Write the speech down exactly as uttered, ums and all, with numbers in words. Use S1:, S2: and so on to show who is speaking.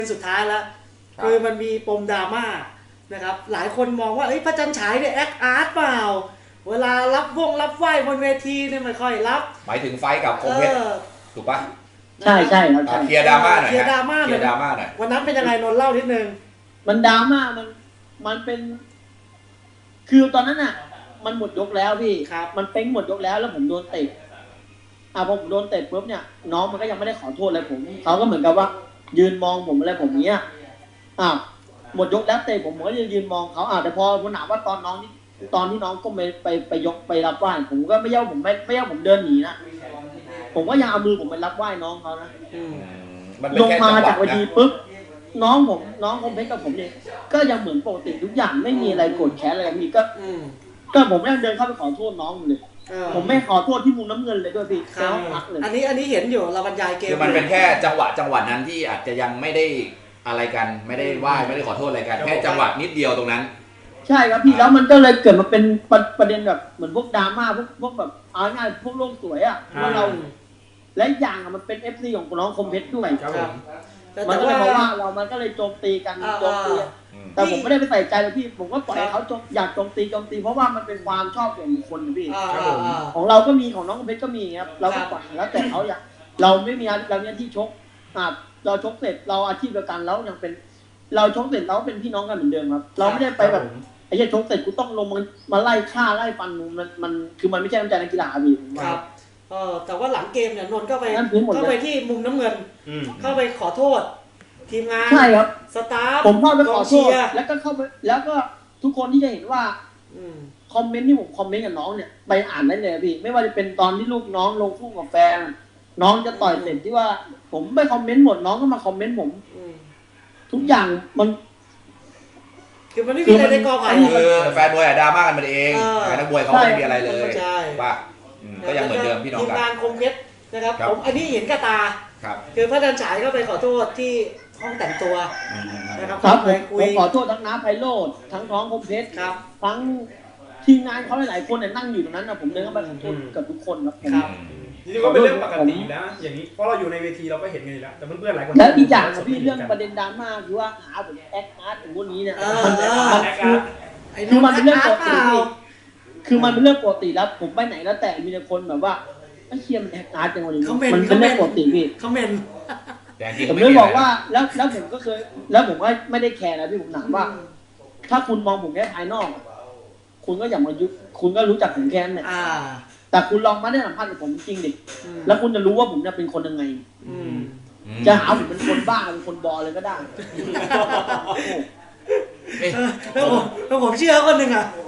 S1: สุดท้ายแล้วคือมันมีปมดราม่านะครับหลายคนมองว่าเอ้ยพระจันทร์ฉายเนี่ยแอคอาร์ตเปล่าเวลารับวงรับไหว้บนเวทีเนี่ยไม่ค่อยรับ
S2: หมายถึงไฟกับคมเพชรถูกปะ
S3: ใช่ใช่ครับ
S2: เคลียร์ดราม่าหน่อย
S1: เคลียร์ดราม่า
S2: เคลียร์ดราม่าหน่อย
S1: วันนั้นเป็นยังไงนนท์เล่านิดนึง
S3: มันดราม่ามันมันเป็นคือตอนนั้นอ่ะมันหมดยกแล้วพี่มันเป้งหมดยกแล้วแล้วผมโดนเตะอ่ะพอผมโดนเตะปุ๊บเนี่ยน้องมันก็ยังไม่ได้ขอโทษอะไรผมเขาก็เหมือนกับว่ายืนมองผมอะไรผมเนี้ยอ่ะหมดยกแล้วเตะผมผมก็ยืนมองเขาอ่ะแต่พอผมถามว่าตอนน้องนี่ตอนที่น้องก็ไปไปไปยกไปรับไหว้ผมก็ไม่เย่าผมไม่ไม่เย่าผมเดินหนีนะผมก็ยังเอามือผมไปรับไหว้น้องเขานะลงมาจากเวทีปุ๊บน้องผมน้องคมเพชรกับผมเนี่ยก็ยังเหมือนปกติทุกอย่างไม่มีอะไรโกรธแค้นอะไรมีก็ก็ผมไม่เดินเข้าไปขอโทษน้องเลยผมไม่ขอโทษที่มุมน้ำเงินเลยด้วยพี่เขาพักเลย
S1: อันนี้อันนี้เห็นอยู่เราบรรยายเกม
S2: คือมันเป็นแค่จังหวะจังหวะนั้นที่อาจจะยังไม่ได้อะไรกันไม่ได้ไหว้ไม่ได้ขอโทษอะไรกันแค่จังหวะนิดเดียวตรงนั้น
S3: ใช่ครับพี่แล้วมันก็เลยเกิดมาเป็นประเด็นแบบเหมือนพวกดราม่าพวกพวกแบบเอาง่ายพวกโลกสวยอ่ะว่าเราและอย่างมันเป็น เอฟ ซี ของน้องคมเพชรด้วยครับมันก็เลยบอกว่าเรามันก็เลยโจมตีกันโจมตีแต่ผมไม่ได้ไปใส่ใจเลยพี่ผมก็ปล่อยเขาอยากโจมตีโจมตีเพราะว่ามันเป็นความชอบส่วนบุคคลนะพี่ของเราก็มีของน้องคมเพชรก็มีครับเราก็ปล่อยแล้วแต่เขาอยากเราไม่มีเราเนี่ยที่ชกเราชกเสร็จเราอาชีพเดียวกันแล้วยังเป็นเราชกเสร็จเราเป็นพี่น้องกันเหมือนเดิมครับเราไม่ได้ไปแบบไอ้เหี้ยชกเสร็จกูต้องลงมามาไล่ฆ่าไล่ฟันมันมันคือมันไม่ใช่น้ำใจนักกีฬาพี่
S1: ครับเออแต่ว่าหลังเกมเนี่ยนนท์ก็ไปเข้าไปที่มุมน้ำเงินเข้าไปขอโทษทีมงาน
S3: ใช่ครับ
S1: สตาฟ
S3: ผมเข้าไปขอโทษแล้วก็เข้าไปแล้วก็ทุกคนที่จะเห็นว่าคอมเมนต์ที่ผมคอมเมนต์กับน้องเนี่ยไปอ่านได้เลยพี่ไม่ว่าจะเป็นตอนที่ลูกน้องลงคู่กับแฟนน้องจะต่อยเสร็จที่ว่าผมไปคอมเมนต์หมดน้องก็มาคอมเมนต์ผมทุกอย่างมัน
S1: คือมันไม่มีอะไรในกอไผ่
S2: คือแฟนมวยอะดราม่ากันมันเองแฟนนักมวยเขาไม่มีอะไรเลยป่ะก็ยังเหมือนเดิมพี่น้องกัน
S1: ทีมงานคมเพชรนะครับผมอันนี้เห็นกระตาคือพระจันทร์ฉายก็ไปขอโทษที่ห้องแต่งตัว
S3: นะครับครับผมขอโทษทั้งน้าไพโรจน์ทั้งท้องคมเพชรทั้งทีมงานเขาหลายๆคนเนี่ยนั่งอยู่ตรงนั้นนะผมเดินเข้าไปขอโทษกับทุกคนครับ
S4: จริงๆก็เป็นเรื่องปกติแล้วอย่างนี้เพราะเราอยู่ในเวทีเราก็เห็นกันอยู่แล้วแต่เพื่อนๆหลายคน
S3: แล้วอีกอย่างนะพี่เรื่องประเด็นดราม่าคือว่าหาผมแอคอาร์ตของพวกนี้เนี่ยมันมันคือคือมันเป็นเรื่องปกติคือมันเป็นเรื่องปกติแล้วผมไปไหนแล้วแต่มีแต่คนแบบว่าไอ้เคียมันแอคอาร์ตจังวะนี่มันเป็นเรื่องปกติพี่
S1: เขาเมน
S3: ผมเลยบอกว่าแล้วแล้วผมก็เคยแล้วผมก็ไม่ได้แคร์นะพี่ผมถามว่าถ้าคุณมองผมแค่ภายนอกคุณก็อย่ามายุคุณก็รู้จักผมแค่นั้นแหละแต่คุณลองมาได้สัมภาษณ์กับผมจริงดิแล้วคุณจะรู้ว่าผมจะเป็นคนยังไงจะหาผมเป็นคนบ้าเป็นคนบอเลยก็ได้
S1: แล้วผมเชื่อคนหนึ่งอ่ะ